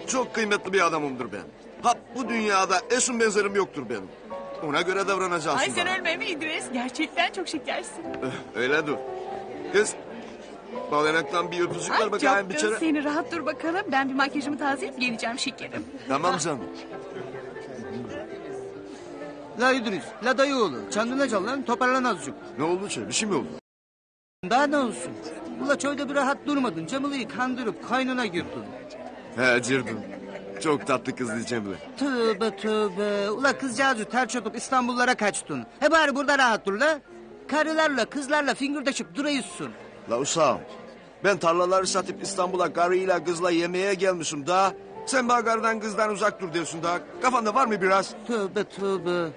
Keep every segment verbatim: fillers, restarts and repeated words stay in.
çok kıymetli bir adamımdır ben. Ha bu dünyada eşim benzerim yoktur benim. Ona göre davranacaksın. Ay sen bana. ölme mi İdris? Gerçekten çok şekersin. Eh, Öyle dur. Kız, balenaktan bir öpücük Ay ver bakayım çok bir kız kere. seni rahat dur bakalım. Ben bir makyajımı tazeleyip geleceğim şekerim. Tamam canım. La İdris, la dayıoğlu. Çandına çal lan, toparlan azıcık. Ne oldu şey? Bir şey mi oldu? Daha ne olsun? Ula çölde bir rahat durmadın. Cemile'yi kandırıp kaynına girdin. He Cirdun. Çok tatlı kızdı Cemile. Tövbe tövbe. Ula kızcağızı terç atıp İstanbullara kaçtın. He bari burada rahat dur la. Karılarla kızlarla fingirdeşip duruyorsun. La uşağım. Ben tarlaları satıp İstanbul'a karıyla kızla yemeğe gelmişim daha. Sen bana karıdan kızdan uzak dur diyorsun daha. Kafanda var mı biraz? Tövbe tövbe.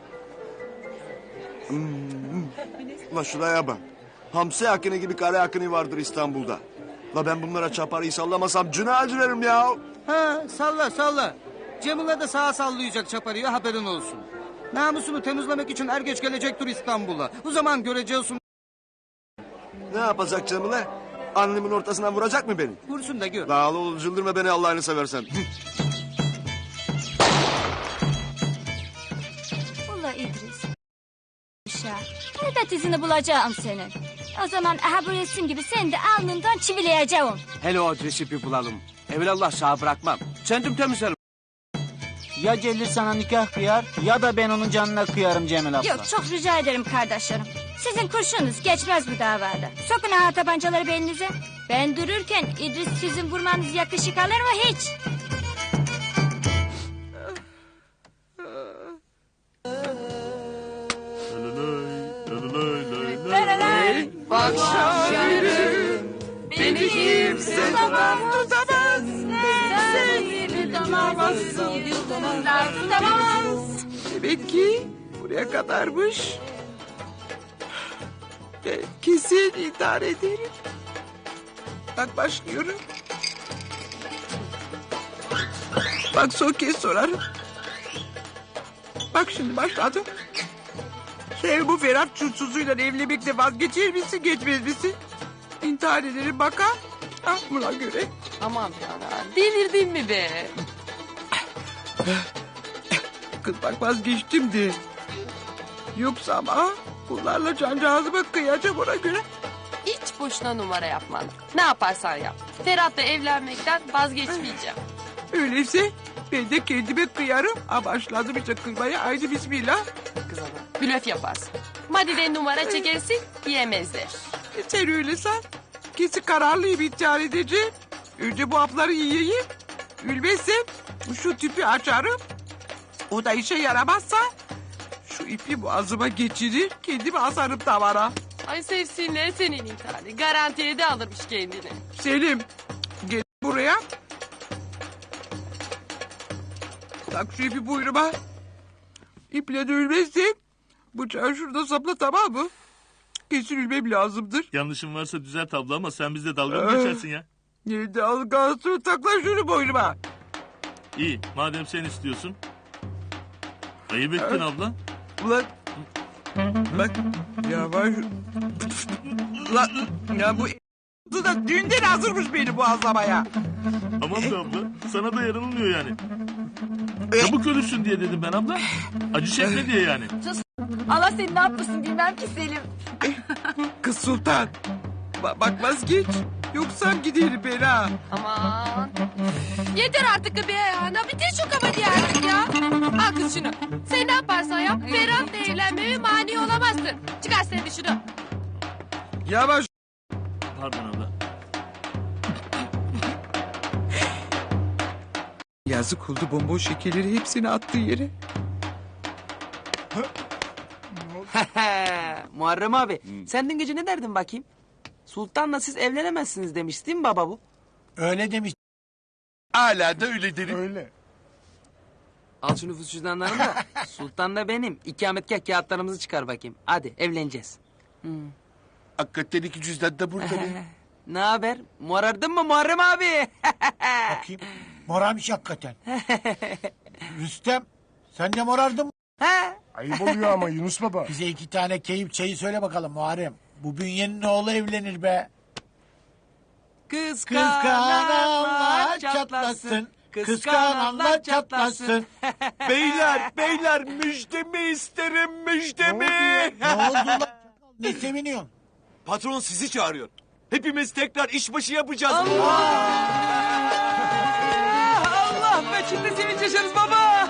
La şuraya bak. Hamsi akını gibi kare akını vardır İstanbul'da. La ben bunlara çaparıyı sallamasam cüna acıverim ya. Ha salla salla. Cemile de sağa sallayacak çaparıyor haberin olsun. Namusunu temizlemek için er geç gelecektir İstanbul'a. O zaman göreceksin. Ne yapacak Cemile? Annemin ortasına vuracak mı beni? Vursun da gör. Dağlı ol cıldırma beni Allah'ını seversen. Ula İdris. Ya, elbet izini bulacağım senin. O zaman aha bu resim gibi seni de alnından çivileyeceğim. Hele o adresi bir bulalım. Evelallah sağ bırakmam. Kendim temizlerim. Ya Celil sana nikah kıyar ya da ben onun canına kıyarım Cemil abla. Yok çok rica ederim kardeşlerim. Sizin kurşununuz geçmez bu davada. Sokun aha tabancaları belinize. Ben dururken İdris sizin vurmanız yakışık alır mı hiç? Bak şahirim, beni kimse tutamaz, tutamaz. Seni tutamazsın, tutamaz. Demek ki buraya kadarmış. Ben kesin intihar ederim. Bak başlıyorum. Bak son kez sorarım. Bak şimdi başladım. Sen bu Ferhat çulsuzuyla evlenmekle vazgeçer misin, geçmez misin? İntihar ederim baka. Ah buna göre. Aman ya, delirdin mi be? Kız bak vazgeçtim de. Yoksa ama bunlarla cancağızıma kıyacağım ona göre. Hiç boşuna numara yapma. Ne yaparsan yap. Ferhat'la evlenmekten vazgeçmeyeceğim. Öyleyse ben de kendime kıyarım. Ama başladım işte kıymaya. Haydi bismillah. Kız ana, blöf yaparsın. Madiden numara çekersin, diyemezler. E sen öyle san. Kesin kararlıyım intihar edeceğim. Önce bu hapları yiyeyim. Ülmezsem şu tüpü açarım. O da işe yaramazsa şu ipi boğazıma geçirir. Kendimi asarım tavana. Ay sevsinler senin intiharı. Garantiye de alırmış kendini. Selim gel buraya. Tak şu ipi buyruma. İple de ölmezsem bıçağı şurada sapla tamam mı? Kesin ülmem lazımdır. Yanlışım varsa düzelt abla ama sen bizle dalga mı geçersin ya? Ne dalgası takla şunu boynuma. İyi madem sen istiyorsun. Ayıp ettin abla. Ulan bak yavaş. Ulan ya bu da dünden hazırmış beni boğazlamaya. Aman be abla sana da yaranılmıyor yani. Çabuk ölürsün diye dedim ben abla. Acı çekme diye yani. Allah seni ne yapmasın bilmem ki Selim. Kız Sultan. Ba bak vazgeç. Yoksa giderim ben ha. Aman. Yeter artık be ya. Bitir şu kabadayı artık ya. Al kız şunu. Sen ne yaparsan yap. Ferhat'la evlenmeme mani olamazsın. Çıkar sen de şunu. Yavaş. Pardon abla. Yazık oldu bomboş şekerleri hepsini attığı yere. Muharrem abi sen dün gece ne derdin bakayım? Sultan'la siz evlenemezsiniz demiş değil mi baba bu? Öyle demiş. Hala da öyle derim. Öyle. Al şu nüfus cüzdanlarını da Sultan'la benim ikametgah kağıtlarımızı çıkar bakayım. Hadi evleneceğiz. Hakikaten iki cüzdan da burada. Ne haber? Morardın mı Muharrem abi? Bakayım. Morarmış hakikaten. Rüstem sen de morardın mı? Ha? Ayıp oluyor ama Yunus baba. Bize iki tane keyif çayı söyle bakalım Muharrem. Bu bünyenin oğlu evlenir be. Kız Kız kanallar çatlasın. Kıskananlar çatlasın. Beyler, beyler müjdemi isterim, müjdemi. Ne oldu lan? Ne seviniyorsun? Patron sizi çağırıyor. Hepimiz tekrar işbaşı yapacağız. Allah be şimdi sevinç yaşarız baba.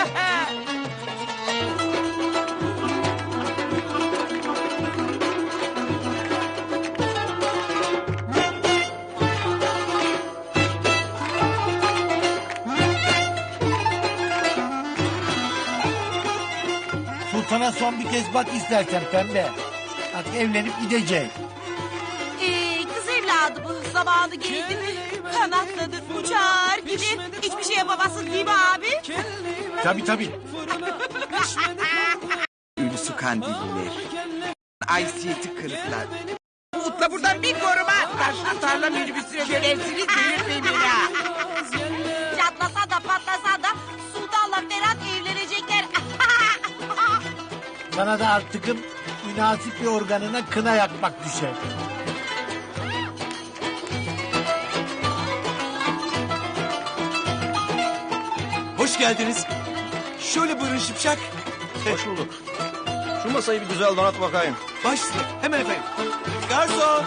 Sultana son bir kez bak istersen pembe. Bak evlenip gidecek. Ee, kız evladı bu. Zamanı geldi mi? Kanatladı, uçar gibi. Hiçbir şey yapamazsın değil mi abi? Tabii tabii. Ülüsü kandiller. Aysiyeti kırıklar. Utla buradan bir koruma. Taşlı tarla minibüsüne dönersiniz. Delirtmeyin beni ha. Çatlasa da patlasa da Sultan'la Ferhat evlenecekler. Sana da artıkım münasip bir organına kına yakmak düşer. Hoş geldiniz. Şöyle buyurun Şipşak. Hoş bulduk. Şu masayı bir güzel donat bakayım. Baş üstüne, hemen efendim. Garson.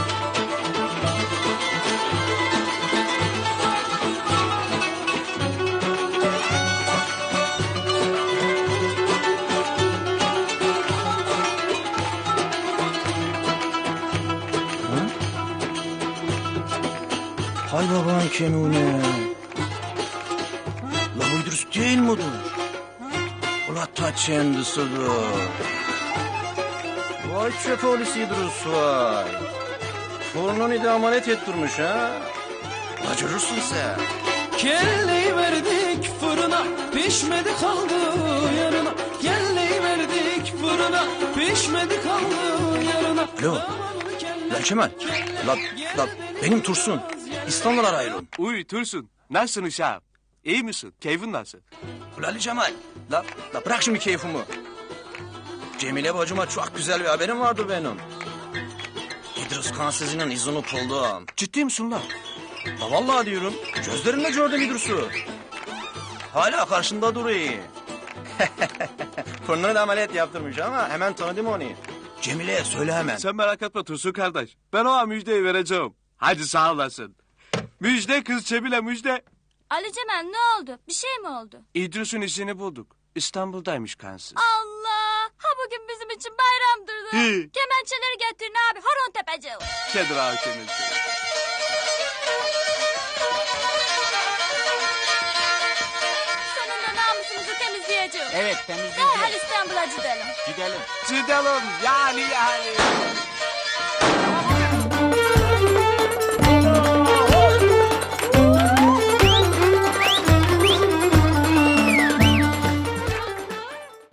Hay baban kenune. La bu İdris değil midir? Ula ta kendisidir. Vay çöpolisi İdris vay. Fırının da amanet ettirmiş ha. La görürsün sen. Kelleyi verdik fırına, pişmedi kaldı yarına. Kelleyi verdik fırına, pişmedi kaldı yarına. Alo. La Kemal. La, la benim Tursun. İstanbul'a ayrılın. Uy Tursun. Nasılsın uşağım? İyi misin? Keyfin nasıl? Ula Ali Cemal. La, la bırak şimdi keyfimi. Cemile bacıma çok güzel bir haberim vardı benim. İdris Kansız'ın izini buldum. Ciddi misin lan? La vallahi diyorum. Gözlerimle gördüm İdris'i. Hala karşında duruyor. Fırnını da ameliyat yaptırmış ama hemen tanıdım onu. Cemile'ye söyle hemen. Sen merak etme Tursun kardeş. Ben ona müjdeyi vereceğim. Hadi sağ olasın. Müjde kız Cemile müjde. Ali Cemal ne oldu? Bir şey mi oldu? İdris'in işini bulduk. İstanbul'daymış kansız. Allah! Ha bugün bizim için bayramdır da. Hi. Kemençeleri getirin abi. Horon tepeceğim. Kedir abi kemençe. Sonunda namusumuzu temizleyeceğim. Evet temizleyeceğiz. Derhal İstanbul'a gidelim. Gidelim. Gidelim yani yani.